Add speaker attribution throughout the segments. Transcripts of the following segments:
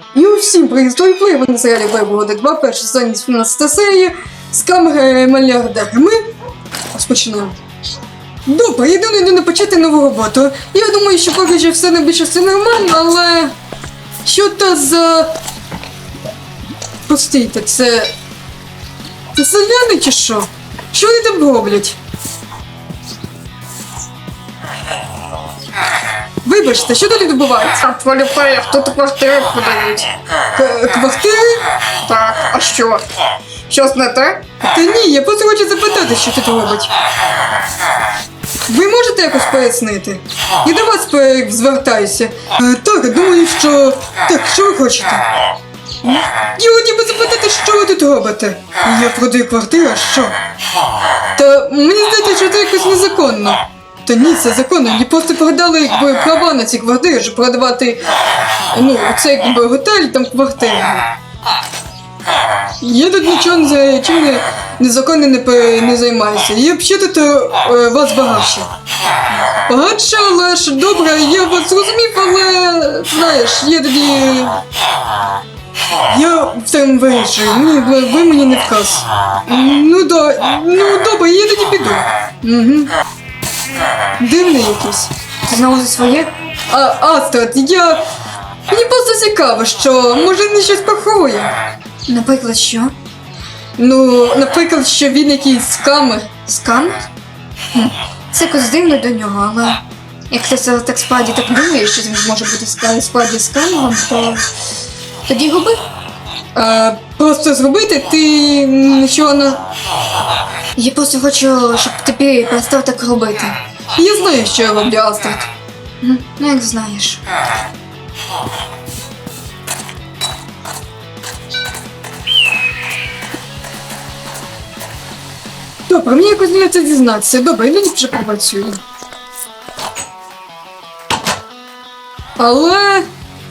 Speaker 1: І усім привіт, Плей, ви на серіалі Вайбугоди 2, перший сезон 18 серії з камери мільярдера. Ми розпочинаємо. Добре, я думаю, не почати нову роботу. Я думаю, що поки що все найбільше все нормально, але... Що то за... Постійте, це селяни чи що? Що вони там роблять? Вибачте, що далі відбувається?
Speaker 2: Поліцеїв, тут квартири подають.
Speaker 1: Квартири?
Speaker 2: Так, а що? Щось не те?
Speaker 1: Та ні, я просто хочу запитати, що тут робить. Ви можете якось пояснити? Я до вас звертаюся. Так, думаю, що... Так, що ви хочете? Я хотів би запитати, що ви тут робите? Я продаю квартиру, а що? Та мені здається, що це якось незаконно. Та ні, це законно. Мені просто передали якби права на ці квартири, щоб продавати, цей якби готель, там квартири. Я тут нічого незаконно не займаюся. Я взагалі тут вас багатше. Багатше, але ж добре, я вас зрозумів, але знаєш, я тоді... Я в цьому вирішую, ви мені не вказ. Ну добре, я тоді піду. Угу. Дивний якийсь.
Speaker 2: Ти знову за своє?
Speaker 1: Астрад, мені просто цікаво, що може не щось поховує.
Speaker 2: Наприклад, що?
Speaker 1: Ну, наприклад, що він якийсь скамер.
Speaker 2: Скамер? Це якось дивно до нього, але... Як ти це так справді так думаєш, що він може бути справді скамером, то... Тоді губи?
Speaker 1: Просто зробити ти нічого не...
Speaker 2: Я просто хочу, щоб тобі перестав так робити.
Speaker 1: Я знаю, що я роблю, Астрад.
Speaker 2: Ну, як знаєш.
Speaker 1: Добре, мені якось не це дізнатися. Добре, я тоді вже попрацюю. Але...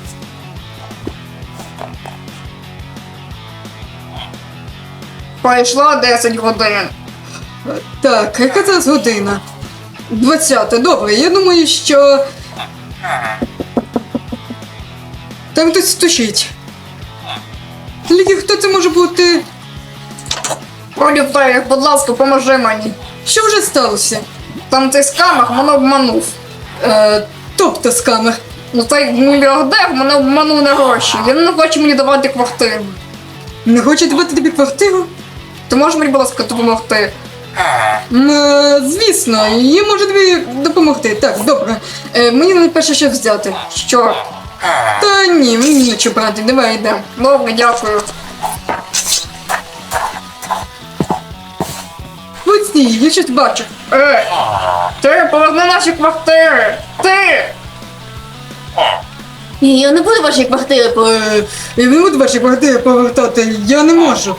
Speaker 2: Пройшло 10 годин.
Speaker 1: Так, яка зараз година? 20, добре, я думаю, що... Там хтось стучить. Тільки хто це може бути?
Speaker 2: Поліцеїв, будь ласка, поможи мені.
Speaker 1: Що вже сталося?
Speaker 2: Там цей скамер мене обманув.
Speaker 1: Тобто скамер.
Speaker 2: Ну цей мільярдер мене обманув на гроші. Він не хоче мені давати квартиру.
Speaker 1: Не хоче давати тобі квартиру?
Speaker 2: Ти можеш мені, будь ласка, допомогти?
Speaker 1: Звісно, я можу тобі допомогти. Так, добре. Мені найперше що взяти.
Speaker 2: Що?
Speaker 1: Та ні, мені нічого брати, давай йдемо.
Speaker 2: Добре, дякую.
Speaker 1: Ось ні, я щось бачу.
Speaker 2: Ти поверни наші квартири! Ти!
Speaker 1: Ні, я не буду ваші квартири Я не буду ваші квартири повертати, я не можу.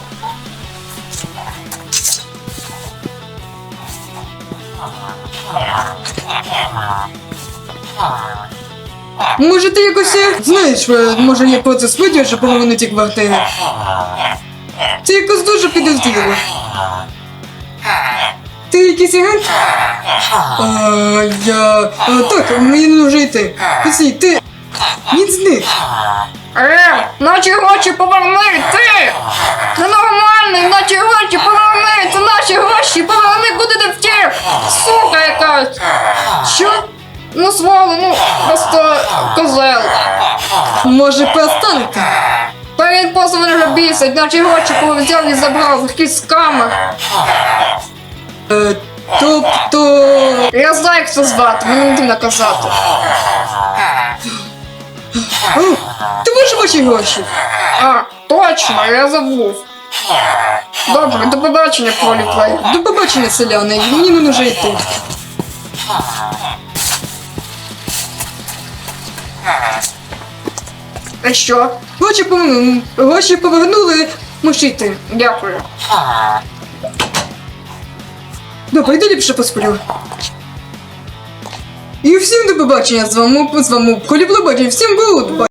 Speaker 1: Може ти якось, знаєш, може я просто сподіваю, що поверну ті квартири. Це якось дуже підозріло. Ти якийсь агент? Так, мені не вже йти. Пусі, ти... Він зник.
Speaker 2: Наші гроші поверни, ти! Ненормальний, наші гроші поверни! Це наші гроші поверни, куди ти втік! Сука якась!
Speaker 1: Що?
Speaker 2: Ну своло, просто козел.
Speaker 1: Може перестанете?
Speaker 2: Та він просто мене вже бісить, наші гроші взяв і забрав, якийсь скамер.
Speaker 1: Тобто...
Speaker 2: Я знаю, як це звати, мені не треба казати.
Speaker 1: Ти можеш ваші гроші?
Speaker 2: Точно, я забув. Добре, до побачення, Поліплей.
Speaker 1: До побачення, селяни, мені не нужно йти.
Speaker 2: А що?
Speaker 1: Гроші повернули, можеш йти.
Speaker 2: Дякую.
Speaker 1: Добре, йду ліпше посплю. І всім до побачення, з вами Колі Блобаді, всім гуд!